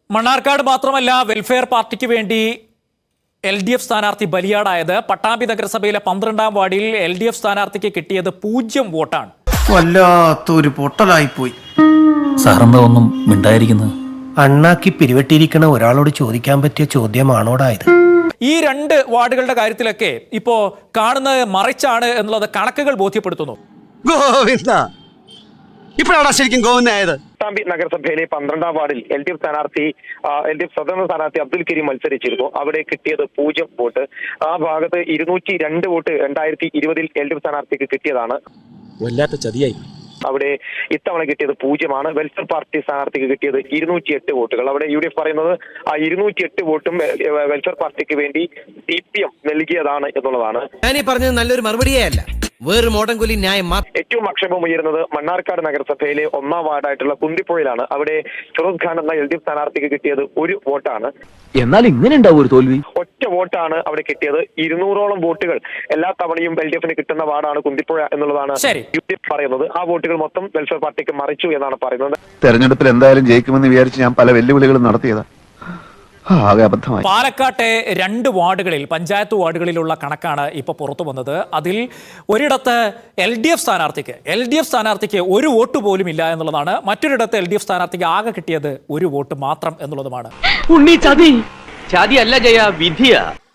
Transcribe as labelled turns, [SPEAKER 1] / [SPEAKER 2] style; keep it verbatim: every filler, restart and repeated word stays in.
[SPEAKER 1] മണ്ണാർക്കാട് മാത്രമല്ല വെൽഫെയർ പാർട്ടിക്ക് വേണ്ടി എൽ ഡി എഫ് സ്ഥാനാർത്ഥി ബലിയാടായത്. പട്ടാമ്പി നഗരസഭയിലെ പന്ത്രണ്ടാം വാർഡിൽ എൽ ഡി എഫ് സ്ഥാനാർത്ഥിക്ക് കിട്ടിയത് പൂജ്യം വോട്ടാണ്.
[SPEAKER 2] വല്ലാത്തൊരു പൊട്ടലായിപ്പോയി.
[SPEAKER 3] സാറെന്താ ഒന്നും മിണ്ടായിരിക്കുന്നത്?
[SPEAKER 2] അണ്ണാക്കി പിരിവെട്ടിയിരിക്കണ ഒരാളോട് ചോദിക്കാൻ പറ്റിയ ചോദ്യമാണോടായത്?
[SPEAKER 1] ഈ രണ്ട് വാർഡുകളുടെ കാര്യത്തിലൊക്കെ ഇപ്പോ കാണുന്നത് മറിച്ചാണ് എന്നുള്ളത് കണക്കുകൾ ബോധ്യപ്പെടുത്തുന്നു.
[SPEAKER 4] ഗോവിന്ദ ഇപ്പോഴാണ് ശരിക്കും ഗോവിന്ദായത്.
[SPEAKER 5] പട്ടാമ്പി നഗരസഭയിലെ പന്ത്രണ്ടാം വാർഡിൽ എൽ ഡി എഫ് സ്ഥാനാർത്ഥി എൽ ഡി എഫ് സ്വതന്ത്ര സ്ഥാനാർത്ഥി അബ്ദുൽ കരീം മത്സരിച്ചിരുന്നു. അവിടെ കിട്ടിയത് പൂജ്യം വോട്ട്. ആ ഭാഗത്ത് ഇരുന്നൂറ്റി രണ്ട് വോട്ട് രണ്ടായിരത്തി ഇരുപതിൽ എൽ ഡി എഫ് സ്ഥാനാർത്ഥിക്ക് കിട്ടിയതാണ്.
[SPEAKER 3] വല്ലാത്ത ചതിയായി.
[SPEAKER 5] അവിടെ ഇത്തവണ കിട്ടിയത് പൂജ്യമാണ്. വെൽഫെയർ പാർട്ടി സ്ഥാനാർത്ഥിക്ക് കിട്ടിയത് ഇരുന്നൂറ്റി എട്ട് വോട്ടുകൾ. അവിടെ യു ഡി എഫ് പറയുന്നത് ആ ഇരുന്നൂറ്റി എട്ട് വോട്ടും വെൽഫെയർ പാർട്ടിക്ക് വേണ്ടി സി പി എം നൽകിയതാണ് എന്നുള്ളതാണ്.
[SPEAKER 6] ഞാനീ പറഞ്ഞത് നല്ലൊരു മറുപടിയേ അല്ല, വേറൊരു മോഡൻ കൊല്ലി ന്യായം.
[SPEAKER 5] ഏറ്റവും ആക്ഷേപം ഉയരുന്നത് മണ്ണാർക്കാട് നഗരസഭയിലെ ഒന്നാം വാർഡായിട്ടുള്ള കുന്തിപ്പുഴയിലാണ്. അവിടെ ഫിറോസ് ഖാൻ എന്ന എൽ ഡി എഫ് സ്ഥാനാർത്ഥിക്ക് കിട്ടിയത് ഒരു വോട്ടാണ്.
[SPEAKER 3] എന്നാൽ ഇങ്ങനെ ഉണ്ടാവും ഒരു തോൽവി.
[SPEAKER 5] ഒറ്റ വോട്ടാണ് അവിടെ കിട്ടിയത്. ഇരുന്നൂറോളം വോട്ടുകൾ എല്ലാ തവണയും എൽ ഡി എഫിന് കിട്ടുന്ന വാർഡാണ് കുന്തിപ്പുഴ എന്നുള്ളതാണ് യു ഡി എഫ് പറയുന്നത്. ആ വോട്ടുകൾ മൊത്തം വെൽഫെയർ പാർട്ടിക്ക് മറിച്ചു എന്നാണ് പറയുന്നത്.
[SPEAKER 7] തെരഞ്ഞെടുപ്പിൽ എന്തായാലും ജയിക്കുമെന്ന് വിചാരിച്ച് ഞാൻ പല വെല്ലുവിളികളും നടത്തിയതാ.
[SPEAKER 1] പാലക്കാട്ടെ രണ്ട് വാർഡുകളിൽ പഞ്ചായത്ത് വാർഡുകളിലുള്ള കണക്കാണ് ഇപ്പോൾ പുറത്തു വന്നത്. അതിൽ ഒരിടത്ത് എൽ ഡി എഫ് സ്ഥാനാർത്ഥിക്ക് എൽ ഡി എഫ് സ്ഥാനാർത്ഥിക്ക് ഒരു വോട്ട് പോലും ഇല്ല എന്നുള്ളതാണ്. മറ്റൊരിടത്ത് എൽ ഡി എഫ് സ്ഥാനാർത്ഥിക്ക് ആകെ കിട്ടിയത് ഒരു വോട്ട് മാത്രം എന്നുള്ളതുമാണ്.
[SPEAKER 3] ചതി ചതി അല്ല ജയ, വിധിയാ.